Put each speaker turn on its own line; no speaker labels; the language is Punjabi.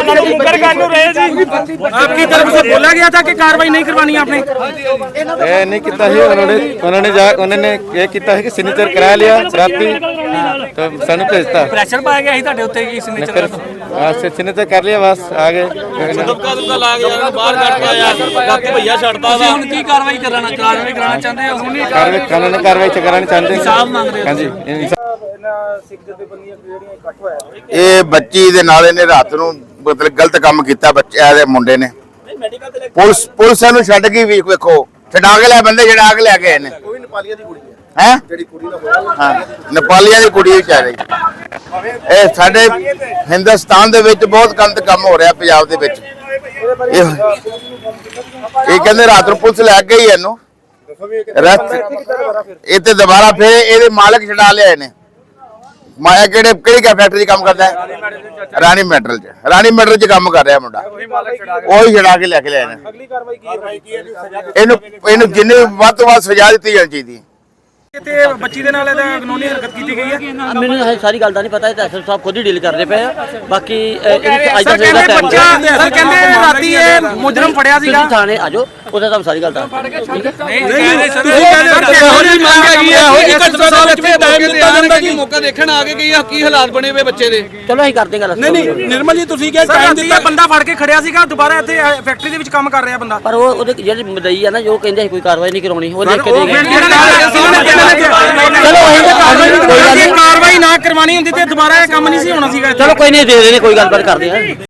आपकी तरफ से बोला गया था कि कार्रवाई नहीं करवानी आपने?
नहीं किया है उन्होंने ये किया है कि सिग्नेचर करा लिया राती तो सानू भेजता
प्रेशर पाया गया ਤੁਹਾਡੇ ਉੱਤੇ ਕੀ सिग्नेचर
सिग्नेचर कर लिया बस आगे
ਦਬਕਾ ਲਾ ਕੇ ਬਾਹਰ ਕੱਢ ਪਾਇਆ ਬਾਕੀ ਭਈਆ ਛੱਡਦਾ ਵਾ ਹੁਣ ਕੀ ਕਾਰਵਾਈ ਕਰਾਣਾ ਚਾਹੁੰਦੇ ਹੋ ਹੁਣ
ਕਾਨੂੰਨੀ ਕਾਰਵਾਈ ਕਰਾਉਣੀ ਚਾਹੁੰਦੇ
ਇਨਸਾਫ ਮੰਗ ਰਹੇ ਹੋ
ਹਾਂਜੀ
ਇਹ ਬੱਚੀ ਦੇ ਨਾਲ ਇਹਨੇ ਰਾਤ ਨੂੰ ਮਤਲਬ ਗਲਤ ਕੰਮ ਕੀਤਾ ਬੱਚੇ ਦੇ ਮੁੰਡੇ ਨੇ ਪੁਲਿਸ ਨੂੰ ਛੱਡ ਗਈ ਵੀ ਵੇਖੋ ਛਡਾ ਕੇ ਲੈ ਬੰਦੇ ਛਡਾ ਕੇ ਲੈ ਗਏ ਨੇ ਕੋਈ ਨੇਪਾਲੀਆਂ ਦੀ ਕੁੜੀ ਹੈ ਜਿਹੜੀ ਕੁੜੀ ਦਾ ਹਾਂ ਨੇਪਾਲੀਆਂ ਦੀ ਕੁੜੀ ਵਿਚਾਰੀ ਇਹ ਸਾਡੇ ਹਿੰਦੁਸਤਾਨ ਦੇ ਵਿੱਚ ਬਹੁਤ ਗਲਤ ਕੰਮ ਹੋ ਰਿਹਾ ਪੰਜਾਬ ਦੇ ਵਿੱਚ ਇਹ ਕਹਿੰਦੇ ਰਾਤ ਨੂੰ ਪੁਲਿਸ ਲੈ ਗਈ ਇਹਨੂੰ ਇਹ ਤੇ ਦੁਬਾਰਾ ਫਿਰ ਇਹਦੇ ਮਾਲਕ ਛਡਾ ਲਿਆ ਇਹਨੇ ਮਾਇਆ ਕਿਹੜੀ ਫੈਕਟਰੀ 'ਚ ਕੰਮ ਕਰਦਾ ਹੈ ਰਾਣੀ ਮੈਟਲ 'ਚ ਕੰਮ ਕਰ ਰਿਹਾ ਮੁੰਡਾ ਉਹੀ ਛਡਾ ਕੇ ਲੈ ਕੇ ਲਿਆ ਇਹਨੇ ਅਗਲੀ ਕਾਰਵਾਈ ਕੀ ਹੈ ਇਹਨੂੰ ਜਿੰਨੀ ਵੱਧ ਤੋਂ ਵੱਧ ਸਜ਼ਾ ਦਿੱਤੀ ਜਾਣੀ ਚਾਹੀਦੀ ਹੈ
ਤੇ ਬੱਚੀ ਦੇ ਨਾਲ ਇਹਦਾ ਕਾਨੂੰਨੀ ਹਰਕਤ ਕੀਤੀ ਗਈ ਹੈ
ਮੈਨੂੰ ਇਹ ਸਾਰੀ ਗੱਲ ਦਾ ਨਹੀਂ ਪਤਾ ਇਹ ਤਾਂ ਐਸਐਸ ਸਾਹਿਬ ਖੁਦ ਹੀ ਡੀਲ ਕਰਦੇ ਪਏ ਆ ਬਾਕੀ ਅੱਜ ਦਾ
ਕਹਿੰਦੇ ਬੱਚਾ ਸਰ ਕਹਿੰਦੇ ਰਾਤੀ ਇਹ ਮੁਜਰਮ ਫੜਿਆ ਸੀਗਾ
ਥਾਣੇ ਆਜੋ ਉਹਦਾ ਤੁਹਾਨੂੰ ਸਾਰੀ ਗੱਲ ਦੱਸ ਠੀਕ ਹੈ
ਨਹੀਂ ਸਰ ਤੁਸੀਂ ਕਹਿੰਦੇ ਇਹੋ ਜਿਹੀ ਮੰਗ ਹੈਗੀ ਹੈ ਇਹੋ ਜਿਹੀ ਘਟਨਾ ਸਾਹਿਬ ਇੱਥੇ ਟਾਈਮ ਦਿੱਤਾ ਜਾਂਦਾ ਕਿ ਮੌਕਾ ਦੇਖਣ ਆ ਕੇ ਕੀ ਹਾਲਾਤ ਬਣੇ ਹੋਏ ਬੱਚੇ ਦੇ
ਚਲੋ ਅਸੀਂ ਕਰਦੇ ਗੱਲ
ਨਹੀਂ ਨਿਰਮਲ ਜੀ ਤੁਸੀਂ ਕਿਹਾ ਟਾਈਮ ਦਿੱਤਾ ਬੰਦਾ ਫੜ ਕੇ ਖੜਿਆ ਸੀਗਾ ਦੁਬਾਰਾ ਇੱਥੇ ਫੈਕਟਰੀ ਦੇ ਵਿੱਚ ਕੰਮ ਕਰ ਰਿਹਾ ਬੰਦਾ
ਪਰ ਉਹਦੇ ਜਿਹੜੇ ਮਦਈ ਆ ਨਾ ਜੋ ਕਹਿੰਦੇ ਕੋਈ ਕਾਰਵਾਈ ਨਹੀਂ ਕਰਾਉਣੀ ਉਹ ਦੇਖ ਕੇ ਦੇ ਗਏ
ਚਲੋ ਕਾਰਵਾਈ ਨਾ ਕਰਵਾਣੀ ਹੁੰਦੀ ਤੇ ਦੁਬਾਰਾ ਇਹ ਕੰਮ ਨਹੀਂ ਸੀ ਹੋਣਾ ਸੀਗਾ
ਚਲੋ ਕੋਈ ਨਹੀਂ ਦੇ ਦੇਣੇ ਕੋਈ ਗੱਲਬਾਤ ਕਰਦੇ ਆ